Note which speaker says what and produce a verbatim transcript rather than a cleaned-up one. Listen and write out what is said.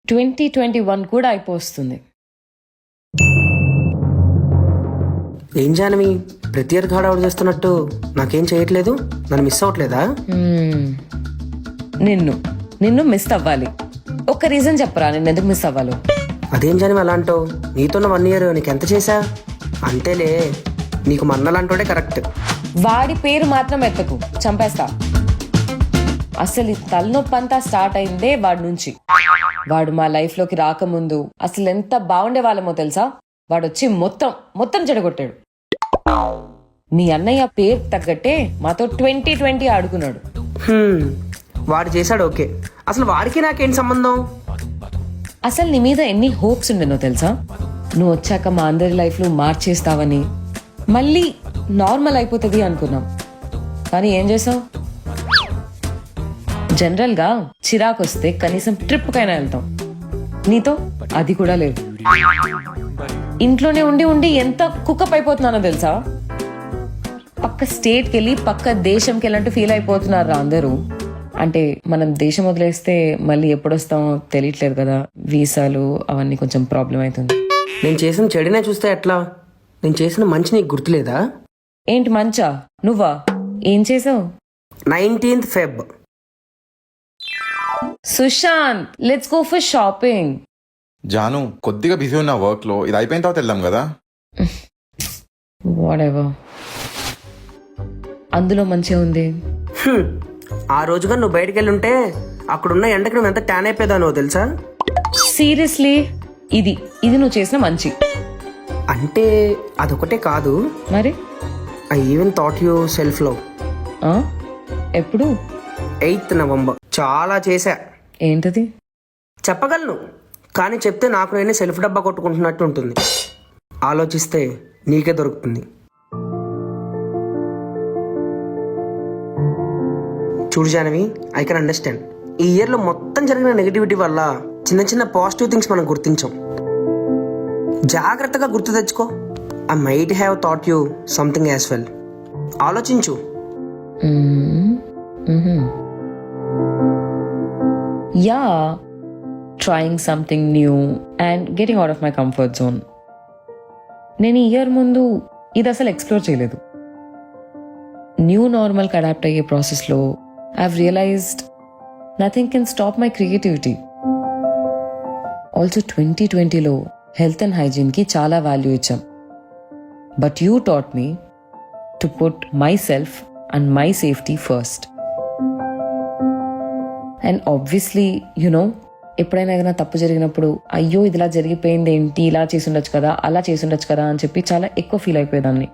Speaker 1: Twenty twenty one కూడా అయిపోతుంది.
Speaker 2: ఏం జానవి ప్రతి ఇయర్ హడావుడు చేస్తున్నట్టు నాకేం చేయట్లేదు? నన్ను మిస్ అవ్వట్లేదా?
Speaker 1: Hmm. నిన్ను నిన్ను మిస్ అవ్వాలి. ఒక్క రీజన్ చెప్పరా నిన్ను ఎందుకు మిస్ అవ్వాలో?
Speaker 2: అదేం జానవి అలా అంటావు? నీతోన్న వన్ ఇయర్ నీకెంత చేశా? అంతేలే, నీకు మన్నలాంటోడే కరెక్ట్.
Speaker 1: వాడి పేరు మాత్రం ఎత్తకు, చంపేస్తా. అసలు ఈ తలనొప్పి అంతా స్టార్ట్ అయిందే వాడి నుంచి. వాడు మా లైఫ్ లోకి రాకముందు అసలు ఎంత బాగుండే వాళ్ళమో తెలుసా? వాడు వచ్చి మొత్తం మొత్తం చెడగొట్టాడు. మీ అన్నయ్య పేరు తగ్గట్టే మాతో ట్వంటీ ట్వంటీ ఆడుకున్నాడు.
Speaker 2: హ్మ్, వాడు చేశాడు ఓకే. అసలు వాడికి నాకేం సంబంధం?
Speaker 1: అసలు నీ మీద ఎన్ని హోప్స్ ఉండేనో తెలుసా? నువ్వు వచ్చాక మా అందరి లైఫ్ లో మార్చేస్తావని, మళ్ళీ నార్మల్ అయిపోతుంది అనుకున్నాం. కానీ ఏం చేసావు? జనరల్ గా చిరాకు వస్తే కనీసం ట్రిప్ కైనా వెళ్తాం. నీతో అది కూడా లేదు. ఇంట్లోనే ఉండి ఉండి ఎంత కుక్కప్ అయిపోతున్నానో తెలుసా? పక్క స్టేట్కి వెళ్ళి పక్క దేశంకి వెళ్ళినట్టు ఫీల్ అయిపోతున్నారు అందరూ. అంటే మనం దేశం వదిలేస్తే మళ్ళీ ఎప్పుడొస్తామో తెలియట్లేదు కదా, వీసాలు అవన్నీ కొంచెం ప్రాబ్లం అవుతుంది.
Speaker 2: నేను చేసిన చెడునే చూస్తే ఎట్లా? నేను చేసిన మంచి నీకు గుర్తులేదా?
Speaker 1: ఏంటి మంచా? నువ్వా? ఏం చేసావు?
Speaker 2: Nineteenth Feb
Speaker 1: Sushant, let's go for shopping.
Speaker 3: జాను కొద్దిగా బిజీ ఉన్న వర్క్ లో, ఇది అయిపోయిన తర్వాత వెళ్దాం కదా.
Speaker 1: వాటెవర్. అందులో మంచిగా ఉంది.
Speaker 2: హ్మ్, ఆ రోజుగా నువ్వు బయటికి వెళ్ళి ఉంటే అక్కడున్న ఎండకి నువ్వు ఎంత ట్యాన్ అయిపోయానో తెలుసా?
Speaker 1: సీరియస్లీ, ఇది ఇది నువ్వు చేసిన మంచి.
Speaker 2: అంటే అదొకటే కాదు,
Speaker 1: మరి
Speaker 2: I even thought you self love.
Speaker 1: ఆ? ఎప్పుడు?
Speaker 2: Eighth November. చాలా చేశా.
Speaker 1: ఏంటది?
Speaker 2: చెప్పగలను, కానీ చెప్తే నాకు నేనే సెల్ఫ్ డబ్బా కొట్టుకుంటున్నట్టు ఉంటుంది. ఆలోచిస్తే నీకే దొరుకుతుంది. చూడు జానవి, ఐ కెన్ అండర్స్టాండ్. ఈ ఇయర్లో మొత్తం జరిగిన నెగిటివిటీ వల్ల చిన్న చిన్న పాజిటివ్ థింగ్స్ మనం గుర్తించాం. జాగ్రత్తగా గుర్తు తెచ్చుకో. I might have thought you something as well. ఆలోచించు.
Speaker 1: Yeah, trying something new and getting out of my comfort zone. నేను ఈ ఇయర్ ముందు ఇది అసలు ఎక్స్ప్లోర్ చేయలేదు. న్యూ నార్మల్కి అడాప్ట్ అయ్యే ప్రాసెస్లో I've realised nothing can stop my creativity. Also twenty ట్వంటీలో హెల్త్ అండ్ హైజీన్కి చాలా వాల్యూ ఇచ్చాం. But you taught me to put myself and my safety first. And obviously you know, ఎప్పుడైనా ఏదైనా తప్పు జరిగినప్పుడు అయ్యో ఇది ఇలా జరిగిపోయింది ఏంటి, ఇలా చేసి ఉండొచ్చు కదా, అలా చేసి ఉండొచ్చు కదా అని చెప్పి చాలా ఎక్కువ ఫీల్ అయిపోయేదాన్ని.